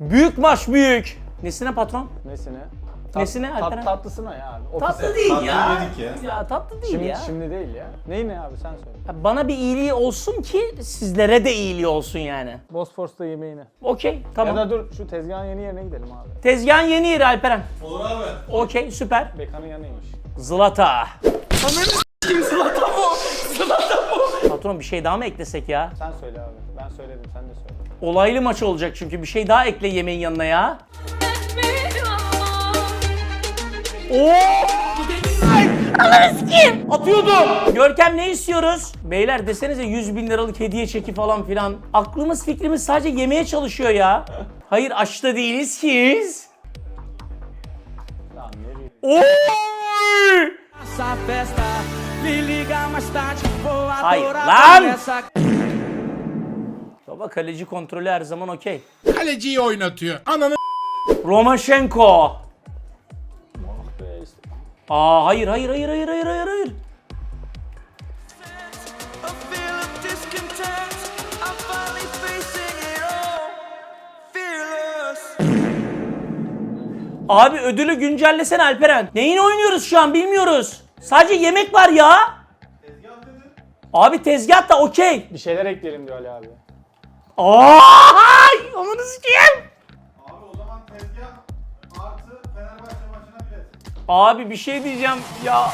Büyük maç büyük. Nesine patron? Nesine? Nesine Alperen? Tatlısına ya abi. Tatlı değil ya. yedik ya. Ya tatlı değil Şimdi, ya. şimdi değil ya. Neyine abi sen söyle. Ya bana bir iyiliği olsun ki sizlere de iyiliği olsun yani. Bosfor'sta yemeğine. Okey tamam. Ya da dur şu tezgahın yeni yerine gidelim abi. Tezgahın yeni yeri Alperen. Olur abi. Okey süper. Bekanın yanıymış. Zlata. Zlata mı? Zlata mı? Patron bir şey daha mı eklesek ya? Sen söyle abi. Ben söyledim sen de söyle. Olaylı maç olacak çünkü bir şey daha ekle yemeğin yanına ya. Oo! Ananı sikeyim! Atıyordum. Görkem ne istiyoruz? Beyler desenize 100.000 liralık hediye çeki falan filan. Aklımız fikrimiz sadece yemeye çalışıyor ya. Hayır aç da değiliz ki. Lan ne bileyim. Oy! Hayır lan! Baba kaleci kontrolü her zaman okey. Kaleciyi oynatıyor. Ananı Romaşenko. Ah be işte. Aa hayır hayır hayır hayır hayır hayır hayır. Abi ödülü güncellesene Alperen. Neyini oynuyoruz şu an bilmiyoruz. Sadece yemek var ya. Abi tezgah da okey. Bir şeyler ekleyelim diyor Ali abi. Ay, onu sikeyim. Abi o zaman tezgah artı Fenerbahçe maçına bilet. Abi bir şey diyeceğim ya.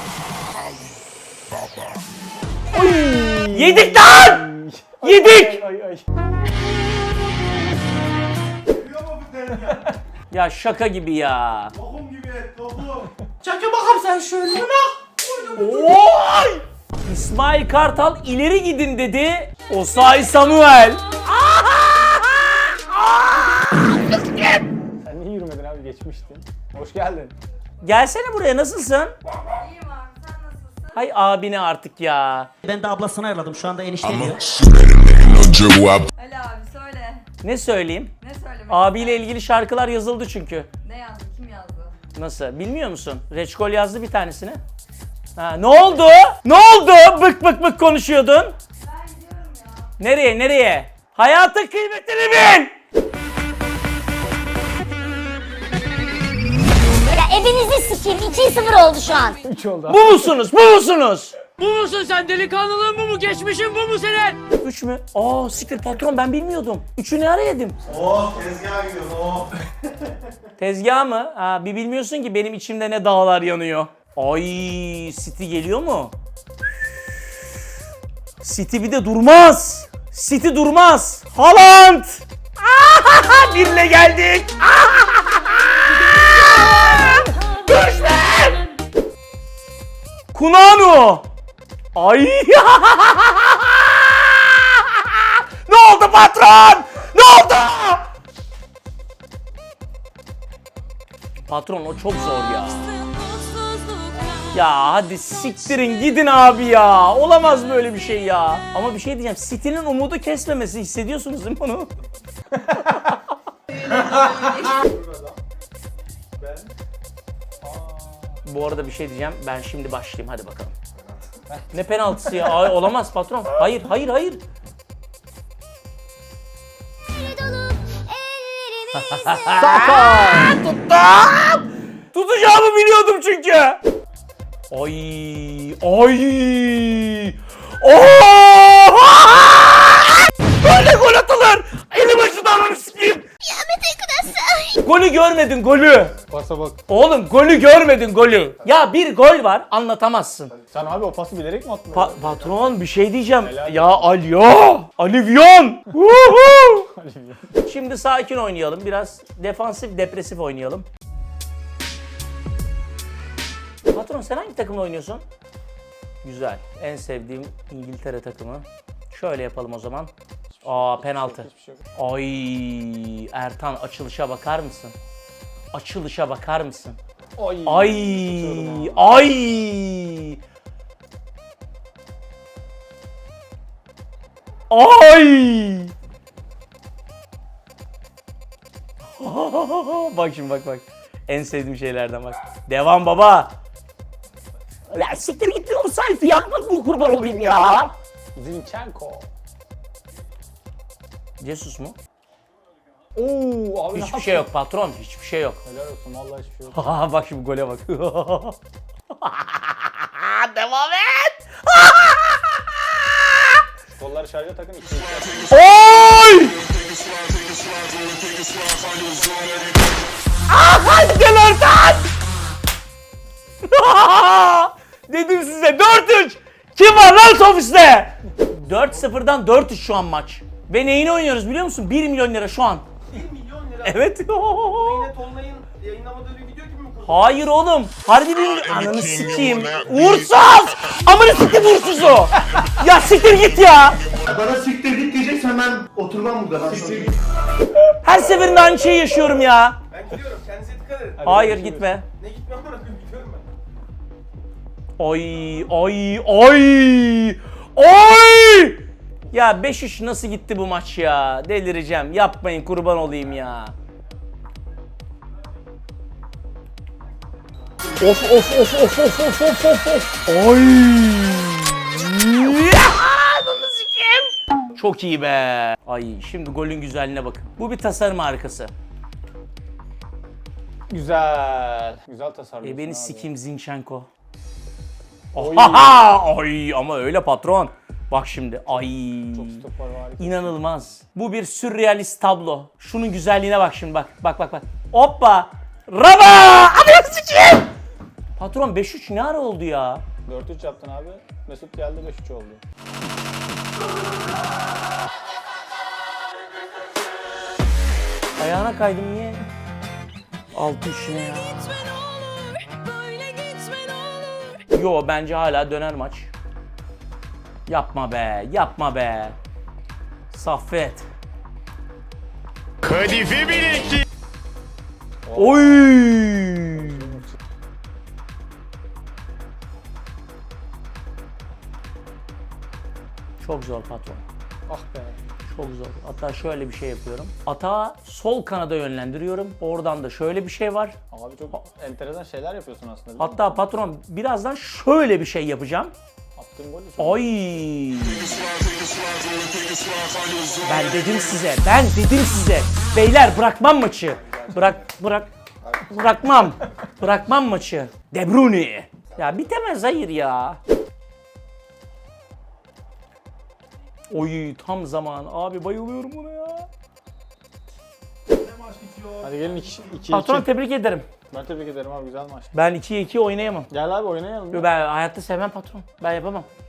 Oy, yedik lan! Yedik! Ay ay. Seviyor mu bu tezgah? Ya şaka gibi ya. Lokum gibi et, lokum. Çakı bakalım sen şöyle bak. Oy! İsmail Kartal ileri gidin dedi. Osay Samuel. Sen niye yürümedin abi geçmiştin. Hoş geldin. Gelsene buraya nasılsın? İyiyim abi, sen nasılsın? Hay abine artık ya. Ben de ablasını ayarladım. Şu anda enişte diyor. Ali abi söyle. Ne söyleyeyim? Ne söylemek Abiyle ilgili şarkılar yazıldı çünkü. Ne yazdı? Kim yazdı? Nasıl? Bilmiyor musun? Reçkol yazdı bir tanesini. Ha, ne oldu? Ne oldu? Bık bık bık konuşuyordun. Ben gidiyorum ya. Nereye? Nereye? Hayatın kıymetini bil. Ya evinizi sikeyim. 2-0 oldu şu an. 3 oldu abi. Bu musunuz? Bu musunuz? Bu musun sen? Delikanlılığın bu mu? Geçmişin bu mu senin? 3 mü? Aa siktir patron ben bilmiyordum. 3'ü ne ara yedim? Oh tezgaha gidiyoruz oh. Tezgah mı? Ha, bir bilmiyorsun ki benim içimde ne dağlar yanıyor. Ay City geliyor mu? City bir de durmaz. City durmaz. Haaland! Birle geldik. Görüşme! Kunanu! Ay! Ne oldu patron? Ne oldu? Patron o çok zor ya. Ya hadi siktirin gidin abi ya. Olamaz böyle bir şey ya. Ama bir şey diyeceğim. City'nin umudu kesmemesi hissediyorsunuz değil mi onu? Bu arada bir şey diyeceğim. Ben şimdi başlayayım. Hadi bakalım. Ne penaltısı ya? Ay, olamaz patron. Hayır, hayır, hayır. Tuttum! Tutacağımı biliyordum çünkü. Ay, ay. Böyle gol atılır. Elim açıdan onu sikeyim. Golü görmedin golü. Pasa bak. Oğlum golü görmedin golü. Ya bir gol var anlatamazsın. Sen abi o pası bilerek mi attın? Patron bir şey diyeceğim. Helal. Ya Alyo. Alivyon. Şimdi sakin oynayalım. Biraz defansif depresif oynayalım. Patron sen hangi takımla oynuyorsun? Güzel. En sevdiğim İngiltere takımı. Şöyle yapalım o zaman. Aa penaltı. Hiçbir şey yok. Ay Ertan açılışa bakar mısın? Açılışa bakar mısın? Ay. Ay Tutuyorum abi. ay. Ay. Bak şimdi bak. En sevdiğim şeylerden bak. Devam baba. La siktir git o sayfı yapmak bu kurban olayım ya. Zinchenko. Jesus mu? Oo abi ne Hiçbir şey yok patron. Hiçbir şey yok. Helal olsun vallahi hiçbir şey yok. Bak şimdi gole bak. Devam et. Kolları şarja takın. Oy! Hadi gel oradan! Dedim size 4-3! Kim var lan ofiste? 4-0'dan 4-3 şu an maç. Ve neyini oynuyoruz biliyor musun? 1 milyon lira şu an. 1 milyon lira. Evet. Yine Tolunay'ın yayınlamadığı bir video gibi mi kurdun? Hayır oğlum. Harbi bir ananı sikeyim. Uğursuz! Amına sikeyim uğursuzu. Ya siktir git ya. Bana siktir git diyeceksen ben oturmam burada. Siktir git. Her seferinde aynı şeyi yaşıyorum ya. Ben gidiyorum. Kendinize dikkat edin. Hayır gitme. Ne gitmem bırakın gidiyorum ben. Ay ay ay ay! Ya 5-3 nasıl gitti bu maç ya? Delireceğim. Yapmayın kurban olayım ya. Of of of of of of of of of. Ay! Ya! Ananı sikeyim. Çok iyi be. Ay şimdi golün güzelliğine bakın. Bu bir tasarım harikası. Güzel. Güzel tasarlıyorsun Beni abi. sikeyim Zinchenko. Oha! Ay ama öyle patron. Bak şimdi. Ay. Çok stoper var. İnanılmaz. Bu bir sürrealist tablo. Şunun güzelliğine bak şimdi bak. Bak bak bak. Hoppa! Raba! Ananı sikeyim! Patron 5-3 ne ara oldu ya? 4-3 yaptın abi. Mesut geldi 5-3 oldu. Ayağına kaydım niye? 6-3 ne ya? Yo bence hala döner maç. Yapma be, yapma be. Saffet. Kadife bilekli. Oy! Çok zor patron. Ah be. Çok zor. Hatta şöyle bir şey yapıyorum. Atağı sol kanada yönlendiriyorum. Oradan da şöyle bir şey var. Abi çok enteresan şeyler yapıyorsun aslında. değil mi? Hatta patron birazdan şöyle bir şey yapacağım. Attığın gol de çok. Ay! Ben dedim size, ben dedim size. Beyler bırakmam maçı. Bırakmam. Bırakmam maçı. De Bruyne. Ya bitemez hayır ya. Oy tam zaman. Abi bayılıyorum buna ya. Hadi gelin 2-2. Patron tebrik ederim. Ben tebrik ederim abi güzel maç. Ben 2'ye 2 oynayamam. Gel abi oynayalım. Yo, ben hayatta sevmem patron. Ben yapamam.